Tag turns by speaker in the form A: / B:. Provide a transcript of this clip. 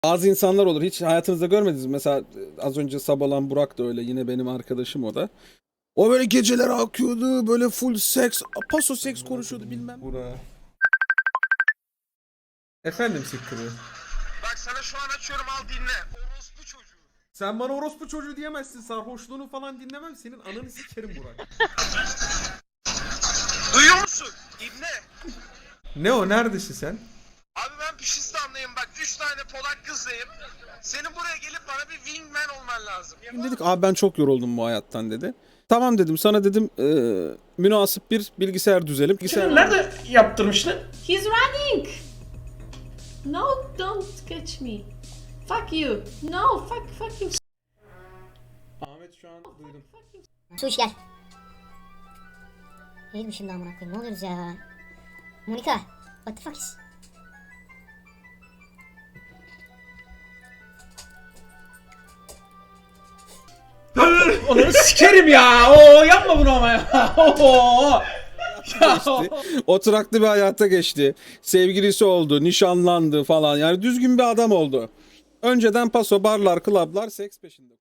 A: Bazı insanlar olur. Hiç hayatınızda görmediniz mi? Mesela az önce Sabalan Burak da öyle. Yine benim arkadaşım o da. O böyle geceler akıyordu. Böyle full seks. Paso seks konuşuyordu bilmem.
B: Bura. Efendim Sıkkırı.
C: Bak sana şu an açıyorum, al dinle. Orospu çocuğu.
B: Sen bana orospu çocuğu diyemezsin. Sarhoşluğunu falan dinlemem. Senin ananı sikerim Burak.
C: Duyuyor musun? İbne.
B: Ne o? Neredesin sen?
C: Abi ben Pişistan'dayım bak. 3 tane Polak kızdayım. Senin buraya gelip bana bir wingman olman lazım.
A: Dedik abi ben çok yoruldum bu hayattan dedi. Tamam dedim sana dedim münasip bir bilgisayar düzelim.
D: Şimdi nerede yaptırmıştın?
E: He's running! No, don't catch me. Fuck you. No, fuck you.
B: Ahmet şu an duydum.
F: Suş gel. Neydi şimdi amına koyayım? Ne oluyoruz ya? Monika, what the fuck is?
D: Onu sikerim ya. Oo yapma bunu ama ya. Oo.
A: Oturaklı bir hayata geçti. Sevgilisi oldu, nişanlandı falan. Yani düzgün bir adam oldu. Önceden paso, barlar, klablar, seks peşinde.